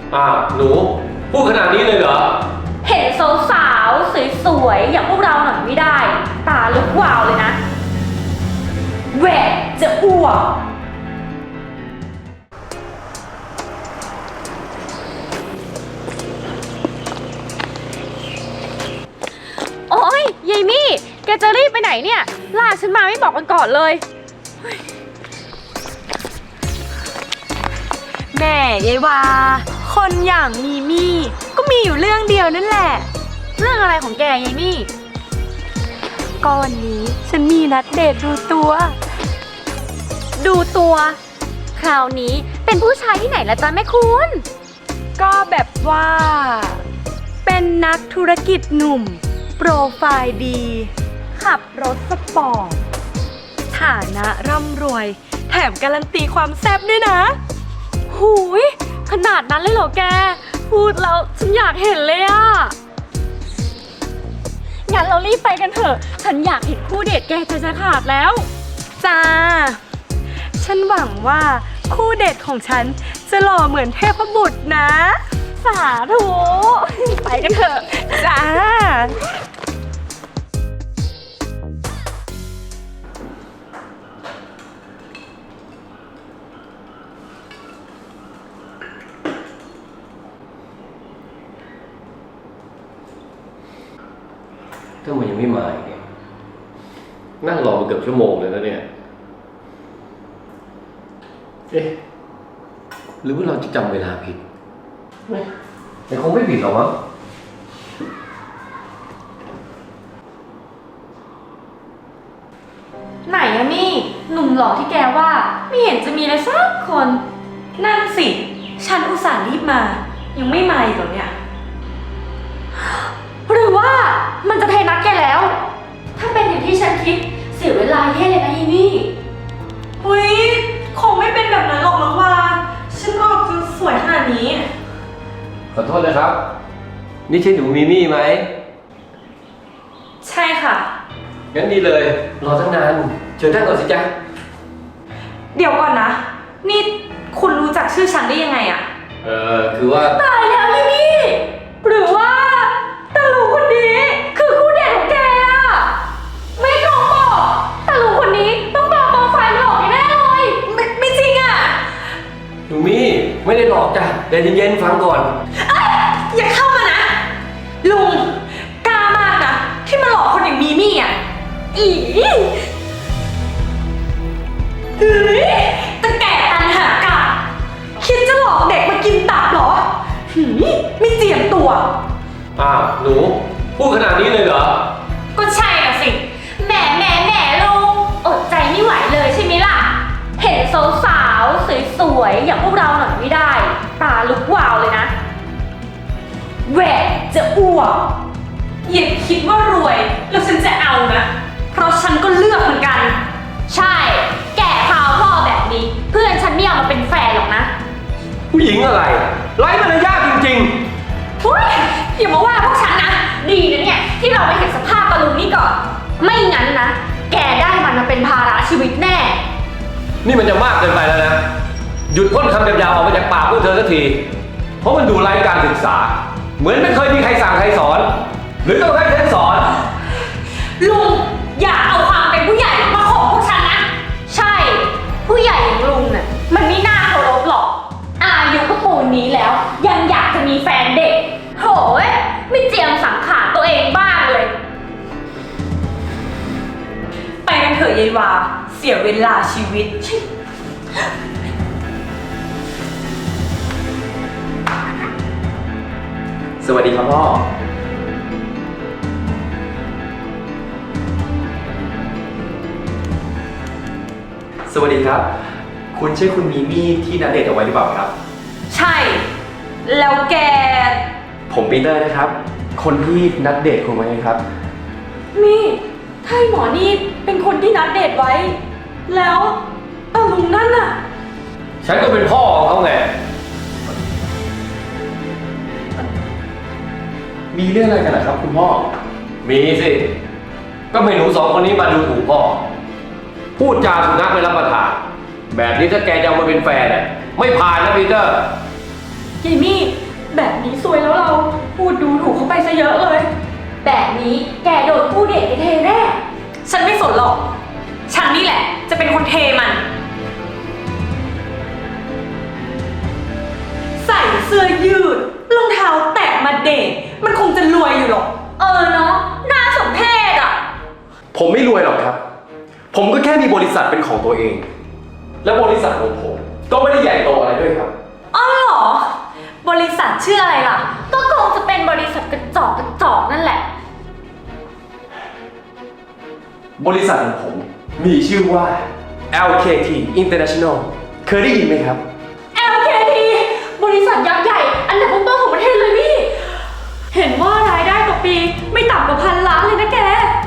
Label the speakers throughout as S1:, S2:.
S1: หนูพูดขนาดนี้เลยเหรอ
S2: เห็นสาวๆสวยๆอย่างพวกเราหน่อยไม่ได้ตาลุกวาวเลยนะแหวกจะอ้วกโอ๊ยยายมี่แกจะรีบไปไหนเนี่ยลากฉันมาไม่บอกกันก่อนเลย
S3: แม่ยายวาคนอย่างมีมี่ก็มีอยู่เรื่องเดียวนั่นแหละ
S2: เรื่องอะไรของแกยายมี่
S3: ก็วันนี้ฉันมีนัดเดทดูตัว
S2: คราวนี้เป็นผู้ชายที่ไหนล่ะจ๊ะแม่คุณ
S3: ก็แบบว่าเป็นนักธุรกิจหนุ่มโปรไฟล์ดีขับรถสปอร์ตฐานะร่ำรวยแถมการันตีความแซ่บด้วยนะ
S2: หูยขนาดนั้นเลยเหรอแกพูดแล้วฉันอยากเห็นเลยอะงั้นเรารีบไปกันเถอะฉันอยากเห็นคู่เดทแกจะขาดแล้ว
S3: จ้าฉันหวังว่าคู่เดทของฉันจะหล่อเหมือนเทพบุตรนะ
S2: สาธุไปกันเถอะ
S3: จ้า
S1: ถ้ามันยังไม่มาอีกเนี่ยนั่งรอมาเกือบชั่วโมงเลยนะเนี่ยหรือว่าเราจะจำเวลาผิดแต่คงไม่ผิดหรอกมั้ง
S2: ไหนอะนี่หนุ่มหล่อที่แกว่าไม่เห็นจะมีเลยสักคน
S3: นั่นสิฉันอุตส่าห์รีบมายังไม่มาอีกเหรอเนี่ย
S2: หรือว่ามันจะเทนัดแกแล้วถ้าเป็นอย่างที่ฉันคิดเสียเวลาแย่เลยนะยายมี่
S3: อุ๊ยคงไม่เป็นแบบนั้นหรอกมั้งว่าฉันออกจะสวยขนาดนี้
S1: ขอโทษนะครับนี่ใช่หนูมีมี่ไหม
S3: ใช่ค่ะ
S1: งั้นดีเลยรอตั้งนานเชิญนั่งก่อนสิจ๊ะ
S3: เดี๋ยวก่อนนะนี่คุณรู้จักชื่อฉันได้ยังไงอะ
S1: คือว่า
S2: ตายแล้วยายมี่หรือว่าตาลูคนนี้คือคู่เดทของแกอะไม่โกหกตาลูคนนี้ต้องปลอมโปรไฟล์หลอกแน่เลย
S3: ไม่จริงอะ
S1: หนูมี่ไม่ได้หลอกจ้ะแต่เย็นๆฟังก่อน
S3: อย่าเข้ามานะลุงกล้ามากนะที่มาหลอกคนอย่างมีมี่อะอีตะแก่ตันหากะคิดจะหลอกเด็กมากินตับเหรอไม่เจียมตัว
S1: หนูพูดขนาดนี้เลยเหรอ
S2: ก็ใช่อะสิแหมลุงอดใจไม่ไหวเลยใช่ไหมล่ะเห็นสาวๆสวยๆอย่างพวกเราหน่อยไม่ได้ตาลุกวาวเลยนะแหวกจะอ้วก
S3: อย่าคิดว่ารวยแล้วฉันจะเอานะเพราะฉันก็เลือกเหมือนกัน
S2: ใช่แก่พาวพ่อแบบนี้เพื่อนฉันไม่เอามาเป็นแฟนหรอกนะ
S1: ผู้หญิงอะไรไร้มารยาทจริง
S2: ๆอย่ามาว่าพวกฉันนะดีนะเนี่ยที่เราไปเห็นสภาพตะลุงนี่ก่อนไม่งั้นนะแกได้มันมาเป็นภาระชีวิตแน่
S1: นี่มันจะมากเกินไปแล้วนะหยุดพ่นคำยาวๆออกมาจากปากพวกเธอสักทีเพราะมันดูไร้การศึกษาเหมือนไม่เคยมีใครสั่งใครสอนหรือต้องให้ฉันสอน
S2: ลุงอย่าเอาความเป็นผู้ใหญ่มาข่มพวกฉันนะใช่ผู้ใหญ่อย่างลุงน่ะมันไม่น่าเคารพหรอกอายุก็ปูนนี้แล้วยังอยากจะมีแฟนเด็กโหยไม่เจียมสังขารตัวเองบ้างเลย
S3: ไปกันเถอะยายวาเสียเวลาชีวิต
S4: สวัสดีครับพ่อสวัสดีครับคุณใช่คุณมีมี่ที่นัดเดทเอาไว้หรือเปล่าครับ
S3: ใช่แล้วแก
S4: ผมปีเตอร์นะครับคนที่นัดเดทคุณไว้ครับ
S3: มี่ถ้าหมอนี่เป็นคนที่นัดเดทไว้แล้วตาลุงนั่นน่ะ
S1: ฉันก็เป็นพ่อของเขาไง
S4: มีเรื่องอะไรกันนะครับคุณพ่อ
S1: มีสิก็ไม่หนูสองคนนี้มาดูถูกพ่อพูดจาสุนัขไม่รับประทานแบบนี้ถ้าแกจะเอามาเป็นแฟนเนี่ยไม่ผ่านนะปีเตอร์
S2: ยายมี่แบบนี้ซวยแล้วเราพูดดูถูกเขาไปซะเยอะเลย แบบนี้แกโดนผู้เด็กเทแน่ฉันไม่สนหรอกฉันนี่แหละจะเป็นคนเทมัน ใส่เสื้อยืดรองเท้าแตะมาเดทมันคงจะรวยอยู่หรอกเนาะน่าสมเพชอ่ะ
S4: ผมไม่รวยหรอกครับ ผมก็แค่มีบริษัทเป็นของตัวเอง และบริษัทของผมก็ไม่ได้ใหญ่โตอะไรด้วยครับ
S2: อ๋อเหรอบริษัทชื่ออะไรล่ะก็คงจะเป็นบริษัทกระจอกนั่นแหละ
S4: บริษัทของผมมีชื่อว่า LKT International เคยได้ยินไหมครับ
S2: LKT บริษัทยักษ์ใหญ่อันดับต้นๆของประเทศเลยพี่ เห็นว่ารายได้ต่อปีไม่ต่ำกว่า1,000 ล้านเลยนะแก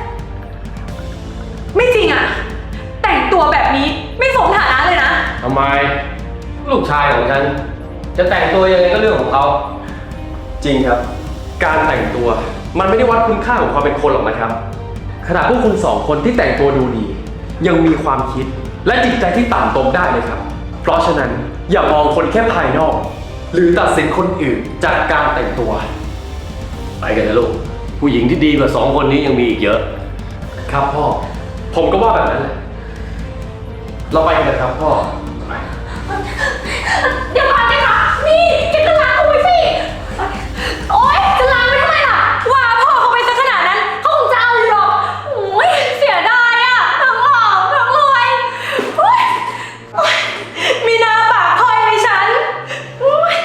S2: ไม่จริงอะแต่งตัวแบบนี้ไม่สมฐานะเลยนะ
S1: ทำไม ลูกชายของฉัน จะแต่งตัวยังไงก็เรื่องของเขา
S4: จริงครับ การแต่งตัวมันไม่ได้วัดคุณค่าของความเป็นคนหรอกนะครับ ขนาดพวกคุณสองคนที่แต่งตัวดูดี ยังมีความคิดและจิตใจที่ต่ำตมได้เลยครับ เพราะฉะนั้นอย่ามองคนแค่ภายนอก หรือตัดสินคนอื่นจากการแต่งตัว
S1: ไปกันนะลูก ผู้หญิงที่ดีกว่า2 คนนี้ยังมีอีกเยอะ
S4: ครับพ่อ ผมก็ว่าแบบนั้นแหละ เราไปกันนะครับพ่อ
S2: เดี๋ยวก่อนนะคะนี่แกก็ล้างเอาไว้สิ โอ๊ยจะล้างไว้ทำไมล่ะ ว่าพ่อเขาไปซะขนาดนั้นเขาคงจะเอาอยู่หรอกโอ้ยเสียดายอะทั้งหล่อทั้งรวยโอ๊ยโอ๊ยมีหน้าปากพลอยเลยฉันโอ๊ย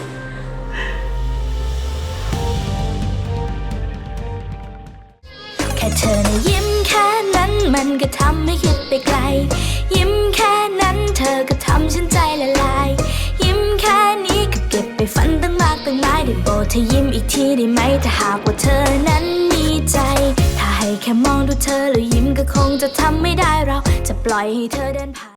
S5: แค่เธอนะยิ้มแค่นั้นมันก็ทำให้คิดไปไกล ยิ้มแค่นั้นเธอก็ทำฉันใจละลาย ยิ้มแค่นี้ก็เก็บไปฝันตั้งมากตั้งหลายได้โปรดเธอยิ้มอีกทีได้ไหมถ้าหากว่าเธอนั้นมีใจ ถ้าให้แค่มองดูเธอแล้วยิ้มก็คงจะทำไม่ได้เราจะปล่อยให้เธอเดินผ่าน